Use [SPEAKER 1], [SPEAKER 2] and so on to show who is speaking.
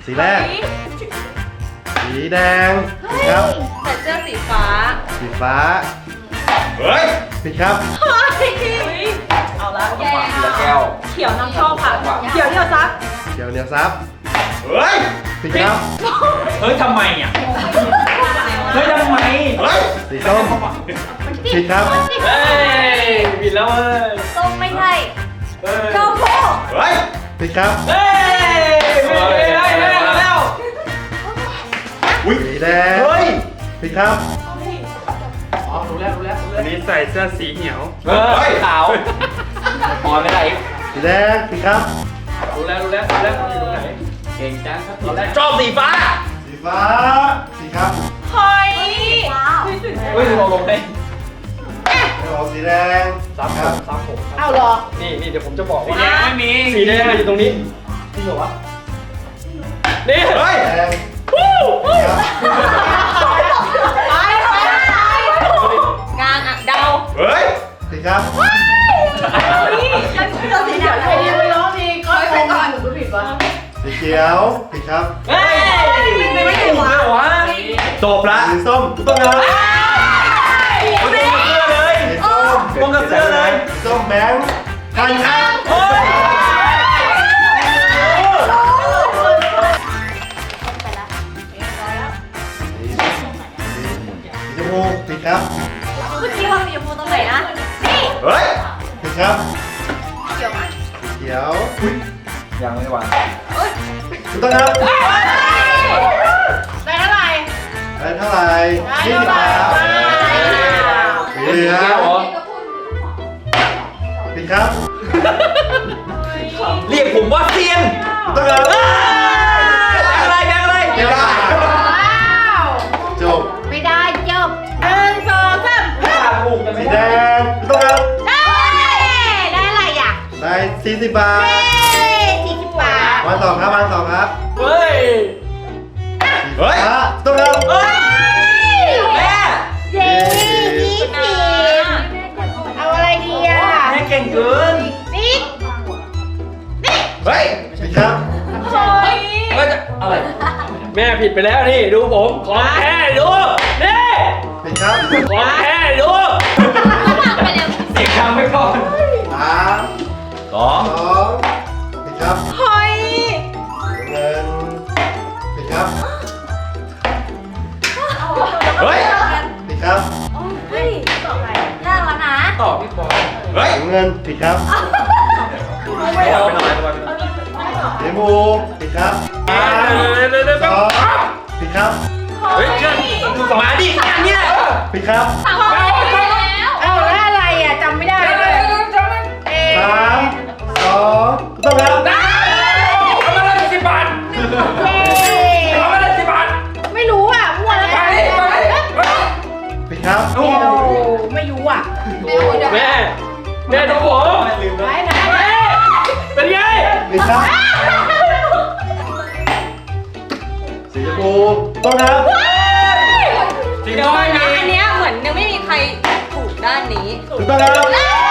[SPEAKER 1] สีแรกสีแดงผิดครับ
[SPEAKER 2] ใส่เสื้อสีฟ้า
[SPEAKER 1] สีฟ้า
[SPEAKER 3] เฮ้ย
[SPEAKER 1] ผิดครับ
[SPEAKER 2] เฮ้ยเอาละแก
[SPEAKER 3] แก้ว
[SPEAKER 2] เขียวนำโชคค่ะเขียวเดียวซัก
[SPEAKER 1] เขียวเหนียวซับ
[SPEAKER 3] เฮ้ย
[SPEAKER 1] ผิดครับ
[SPEAKER 3] เฮ้ยทำไมอ่ะเฮ้ยทำไมเฮ้ย
[SPEAKER 1] สีส้มผิดครับ
[SPEAKER 3] เฮ้ยผิดแล้วเว้ย
[SPEAKER 2] ส้มไม่ใช่
[SPEAKER 3] เฮ้ย
[SPEAKER 2] ชมพู
[SPEAKER 3] เฮ้ย
[SPEAKER 1] ผิดครับ
[SPEAKER 3] เฮ้ยไม่ได้แล้วอุ้ย
[SPEAKER 1] สีแดง
[SPEAKER 3] เฮ้ย
[SPEAKER 1] ผิดครับ
[SPEAKER 3] อ๋อรู้แล้ว
[SPEAKER 4] อันนี้ใส่เสื้อสีเหียว
[SPEAKER 3] เฮ้ยขาวพอไม่ได้อีก
[SPEAKER 1] สีแดงผิดครับ
[SPEAKER 4] รู้แล้วอยู่ตรงไหน
[SPEAKER 3] เก่งจังครับตอนแรกชอบสีฟ้า
[SPEAKER 1] สีฟ้าผิดครับ
[SPEAKER 2] เฮ้ย
[SPEAKER 3] เฮ้ยเราลงให้
[SPEAKER 1] เอาสีแดง
[SPEAKER 3] ซ้ำ
[SPEAKER 1] ครับ
[SPEAKER 3] ซ้ำผม
[SPEAKER 2] เอาหรอ
[SPEAKER 3] นี่เดี๋ยวผมจะบอก
[SPEAKER 4] สี
[SPEAKER 3] ว่า
[SPEAKER 4] แดงไม่มี
[SPEAKER 3] สีแดงอยู่ตรงนี้จริงเหรอวะนี่เฮ้ย
[SPEAKER 1] แดงครับ
[SPEAKER 2] ไปงานอ่ะเดา
[SPEAKER 3] เฮ้ย
[SPEAKER 1] ผิดครับ
[SPEAKER 2] มันเราสีเขียวใครยังไม่ร้องดีก็ไปก่อนหนูก็ผิดวะ
[SPEAKER 1] สีเขียวผิดครับ
[SPEAKER 3] เฮ้ยไม่ถูกเลยวะจบละ
[SPEAKER 1] สีส้ม
[SPEAKER 3] ต้องเลยตรงกับเสื้อเลย
[SPEAKER 1] สีส้ม
[SPEAKER 3] ตรงกับเสื้อเลย
[SPEAKER 1] สีส้มแบงค์พันครับ
[SPEAKER 3] เฮ้ย
[SPEAKER 1] สีชมพูผิดครับ
[SPEAKER 2] เมื่อกี้ว่าสีชมพูตรงไหนนะนี่
[SPEAKER 3] เฮ้ย
[SPEAKER 1] ผิดครับ
[SPEAKER 2] เขียวไหม
[SPEAKER 1] เขียว
[SPEAKER 3] ยังไม่วาง
[SPEAKER 1] ถูกต้องครับ
[SPEAKER 2] ได้เท่าไหร่
[SPEAKER 1] ได้เท่าไหร่20 บาทสีเหลือง
[SPEAKER 3] เหรอ
[SPEAKER 1] ผิดครับ
[SPEAKER 3] เรียกผมว่าเซียน
[SPEAKER 1] ถูกต้องครับ
[SPEAKER 3] อะไร
[SPEAKER 1] เดี๋ยวได้จบ
[SPEAKER 2] ไม่ได้จบ1 2 3
[SPEAKER 3] ถูกกันไม่
[SPEAKER 1] สี
[SPEAKER 3] ได้
[SPEAKER 1] แดงถูกต้องครับ
[SPEAKER 2] ได้อะไรอ่ะ
[SPEAKER 1] ได้40 บาท
[SPEAKER 2] 40 บาท
[SPEAKER 1] วางต่อครับวางต่อครับ
[SPEAKER 3] เฮ้ย เฮ้ย
[SPEAKER 1] ถูกต้องครับ
[SPEAKER 3] เฮ้ย แม่
[SPEAKER 2] เย้20เอาอะไรดีอ่ะ
[SPEAKER 3] แม่เก่งเกิน
[SPEAKER 2] นี่
[SPEAKER 3] เฮ้ย
[SPEAKER 1] ผิดครับ
[SPEAKER 2] เฮ้ย
[SPEAKER 3] ก็จะอะไร แม่ผิดไปแล้วนี่ดูผมของแท้ดูนี่
[SPEAKER 1] ผิดครับ
[SPEAKER 3] ของแท้ดู
[SPEAKER 2] ไปเร็ว
[SPEAKER 3] เสียงดังไม่ก่อน
[SPEAKER 1] 3
[SPEAKER 3] สอง
[SPEAKER 1] 2ผิดครับ
[SPEAKER 2] เฮ้ย
[SPEAKER 1] เงินผิดครับ
[SPEAKER 3] เฮ้ย
[SPEAKER 1] ผิดครับ
[SPEAKER 2] เฮ้ยยากแล้วนะ
[SPEAKER 3] ตอบพี่บอลเฮ้ย
[SPEAKER 1] เงินผิดครับ
[SPEAKER 3] ไม่เอาไปหน่อย
[SPEAKER 1] สีชมพูผิดครับสองผิดครับ
[SPEAKER 3] เฮ้ยเชื่อดูสมาดิอันเนี้ย
[SPEAKER 1] ผิดครับ
[SPEAKER 2] สั่งไปแล้วเอาแล้วอะไรอ่ะจำไม่ได้เลย
[SPEAKER 1] 3 2ต้องครับ
[SPEAKER 3] เอามาเลย10 บาทเอามาเลย10 บาท
[SPEAKER 2] ไม่รู้อ่ะมั่วแล้วกัน
[SPEAKER 1] ผิดครับ
[SPEAKER 3] โอ้
[SPEAKER 2] ไม่รู้อ่ะ
[SPEAKER 3] แม่ดูผม
[SPEAKER 2] ไหน
[SPEAKER 3] เป็นไง
[SPEAKER 1] ผิดครับสีชมพูต้องครับ
[SPEAKER 3] จริง
[SPEAKER 2] เดี๋ยว
[SPEAKER 3] ด้วย
[SPEAKER 2] นะอันเนี้ยเหมือนยังไม่มีใครถูกด้านนี้
[SPEAKER 1] ถูกต้องครับ
[SPEAKER 2] เอ้